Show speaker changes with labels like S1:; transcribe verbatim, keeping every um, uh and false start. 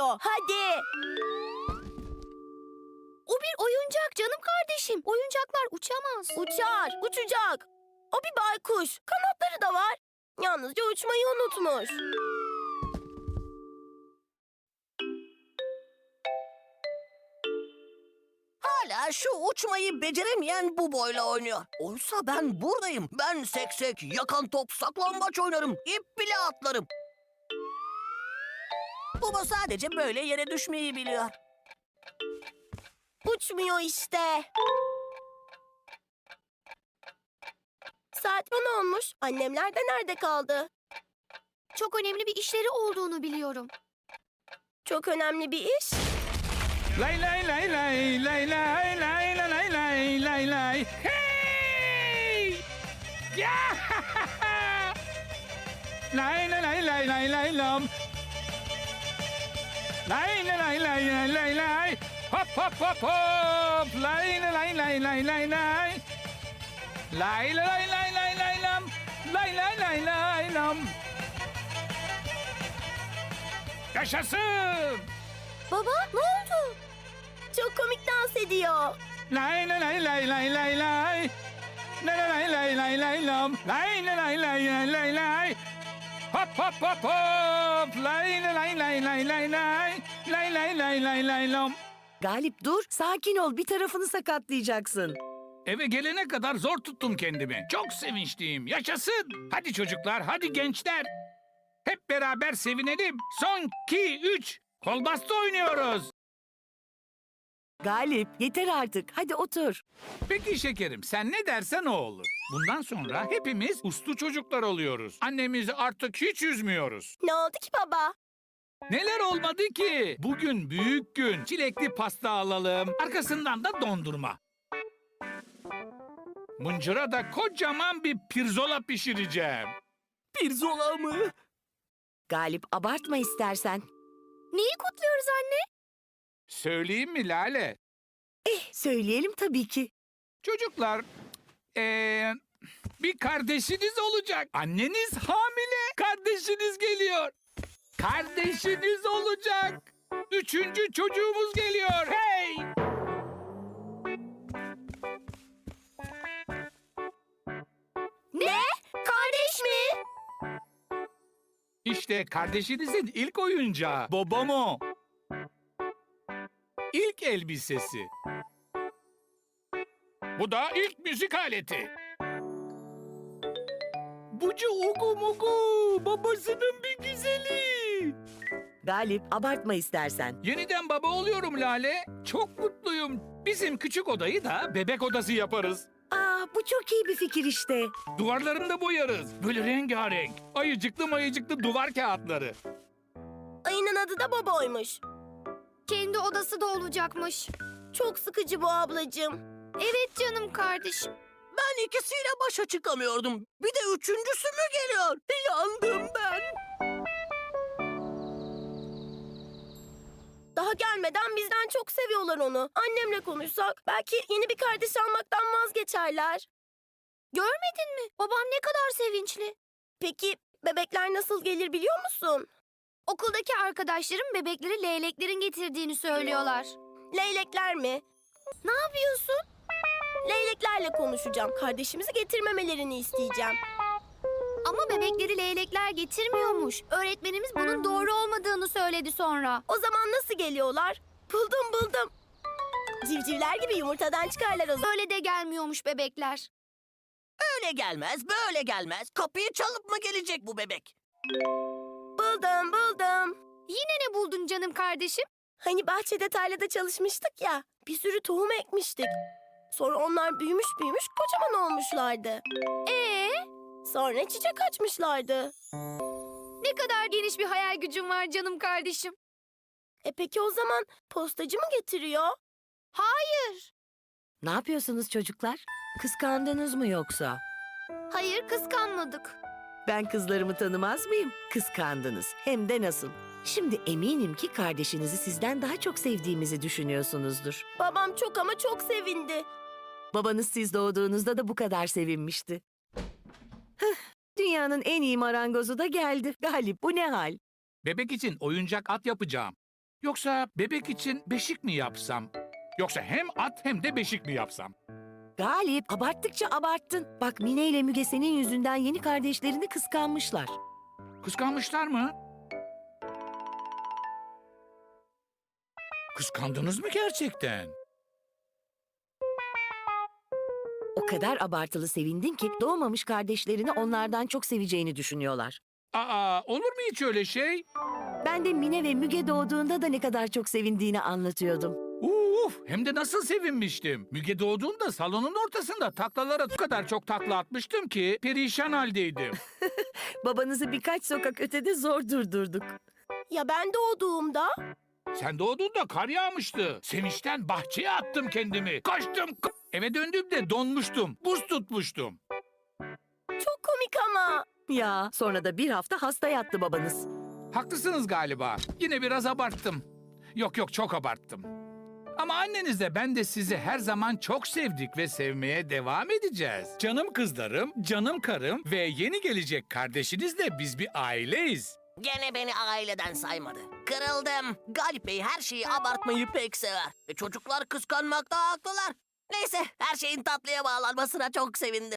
S1: o. Hadi.
S2: O bir oyuncak canım kardeşim. Oyuncaklar uçamaz.
S1: Uçar, uçacak. O bir baykuş. Kanatları da var. Yalnızca uçmayı unutmuş.
S3: Hala şu uçmayı beceremeyen bu boyla oynuyor. Oysa ben buradayım. Ben seksek, yakan top, saklambaç oynarım. İp bile atlarım. Buba sadece böyle yere düşmeyi biliyor.
S1: Uçmuyor işte. Saat on olmuş. Annemler de nerede kaldı?
S2: Çok önemli bir işleri olduğunu biliyorum.
S1: Çok önemli bir iş.
S4: Lay lay lay lay lay lay lay lay lay lay lay lay. Hey! Ya! Lay lay lay lay lay lay lam. Lay lay lay lay lay lay lay. Hop hop hop hop. Lay lay lay lay lay lay. Lay lay lay lay lay lam. Lay lay lay lay lam. Yaşasın!
S1: Baba ne oldu? Çok komik dans ediyor.
S4: Lay lay lay lay lay lay lay. Lay lay lay lay lay lam. Lay lay lay lay lay lay. Hop hop hop hop. Lay lay lay lay lay lay. Lay lay lay lay lay lam.
S5: Galip dur, sakin ol. Bir tarafını sakatlayacaksın.
S4: Eve gelene kadar zor tuttum kendimi. Çok sevinçliyim. Yaşasın. Hadi çocuklar, hadi gençler. Hep beraber sevinelim. Son, iki, üç. Kol bastı oynuyoruz.
S5: Galip, yeter artık. Hadi otur.
S4: Peki şekerim, sen ne dersen o olur. Bundan sonra hepimiz uslu çocuklar oluyoruz. Annemizi artık hiç üzmüyoruz.
S1: Ne oldu ki baba?
S4: Neler olmadı ki? Bugün büyük gün. Çilekli pasta alalım. Arkasından da dondurma. Mıncıra da kocaman bir pirzola pişireceğim.
S3: Pirzola mı?
S5: Galip, abartma istersen.
S2: Neyi kutluyoruz anne?
S4: Söyleyeyim mi Lale?
S5: Eh, söyleyelim tabii ki.
S4: Çocuklar, ee, bir kardeşiniz olacak. Anneniz hamile. Kardeşiniz geliyor. Kardeşiniz olacak. Üçüncü çocuğumuz geliyor. Hey!
S1: Ne? Kardeş mi?
S4: İşte kardeşinizin ilk oyuncağı. Bobomo. İlk elbisesi. Bu da ilk müzik aleti. Bucu ugu mugu. Babasının bir güzeli.
S5: Galip, abartma istersen.
S4: Yeniden baba oluyorum Lale. Çok mutluyum. Bizim küçük odayı da bebek odası yaparız.
S5: Aa, bu çok iyi bir fikir işte.
S4: Duvarlarını da boyarız. Böyle rengarenk. Ayıcıklı mayıcıklı duvar kağıtları.
S1: Ayının adı da babaymış.
S2: Kendi odası da olacakmış.
S1: Çok sıkıcı bu ablacığım.
S2: Evet canım kardeşim.
S3: Ben ikisiyle başa çıkamıyordum. Bir de üçüncüsü mü geliyor? Yandım ben.
S1: Daha gelmeden bizden çok seviyorlar onu. Annemle konuşsak belki yeni bir kardeş almaktan vazgeçerler.
S2: Görmedin mi? Babam ne kadar sevinçli.
S1: Peki bebekler nasıl gelir biliyor musun?
S2: Okuldaki arkadaşlarım bebekleri leyleklerin getirdiğini söylüyorlar.
S1: Leylekler mi?
S2: Ne yapıyorsun?
S1: Leyleklerle konuşacağım. Kardeşimizi getirmemelerini isteyeceğim.
S2: Ama bebekleri leylekler getirmiyormuş. Öğretmenimiz bunun doğru olmadığını söyledi sonra.
S1: O zaman nasıl geliyorlar? Buldum buldum. Civcivler gibi yumurtadan çıkarlar o zaman.
S2: Öyle de gelmiyormuş bebekler.
S3: Öyle gelmez, böyle gelmez. Kapıyı çalıp mı gelecek bu bebek?
S1: Buldum buldum.
S2: Yine ne buldun canım kardeşim?
S1: Hani bahçede tarlada çalışmıştık ya. Bir sürü tohum ekmiştik. Sonra onlar büyümüş büyümüş kocaman olmuşlardı.
S2: Ee,
S1: Sonra çiçek açmışlardı.
S2: ne kadar geniş bir hayal gücün var canım kardeşim.
S1: E peki o zaman postacı mı getiriyor?
S2: Hayır.
S5: Ne yapıyorsunuz çocuklar? Kıskandınız mı yoksa?
S2: Hayır, kıskanmadık.
S5: Ben kızlarımı tanımaz mıyım? Kıskandınız. Hem de nasıl? Şimdi eminim ki kardeşinizi sizden daha çok sevdiğimizi düşünüyorsunuzdur.
S1: Babam çok ama çok sevindi.
S5: Babanız siz doğduğunuzda da bu kadar sevinmişti. Hıh, dünyanın en iyi marangozu da geldi. Galip, bu ne hal?
S4: Bebek için oyuncak at yapacağım. Yoksa bebek için beşik mi yapsam? Yoksa hem at hem de beşik mi yapsam?
S5: Galip, abarttıkça abarttın. Bak Mine ile Müge senin yüzünden yeni kardeşlerini kıskanmışlar.
S4: Kıskanmışlar mı? Kıskandınız mı gerçekten?
S5: O kadar abartılı sevindin ki doğmamış kardeşlerini onlardan çok seveceğini düşünüyorlar.
S4: Aa, olur mu hiç öyle şey?
S5: Ben de Mine ve Müge doğduğunda da ne kadar çok sevindiğini anlatıyordum.
S4: Uf, hem de nasıl sevinmiştim. Müge doğduğunda salonun ortasında taklalara bu kadar çok takla atmıştım ki perişan haldeydim.
S5: Babanızı birkaç sokak ötede zor durdurduk.
S1: Ya ben doğduğumda?
S4: Sen doğduğunda kar yağmıştı. Sevinçten bahçeye attım kendimi. Kaçtım. k- Eve döndüğümde donmuştum. Buz tutmuştum.
S1: Çok komik ama.
S5: Ya sonra da bir hafta hasta yattı babanız.
S4: Haklısınız galiba. Yine biraz abarttım. Yok yok çok abarttım. Ama annenizle ben de sizi her zaman çok sevdik ve sevmeye devam edeceğiz. Canım kızlarım, canım karım ve yeni gelecek kardeşinizle biz bir aileyiz.
S3: Gene beni aileden saymadı. Kırıldım. Galip Bey her şeyi abartmayı pek sever. E, çocuklar kıskanmakta haklılar. Neyse her şeyin tatlıya bağlanmasına çok sevindim.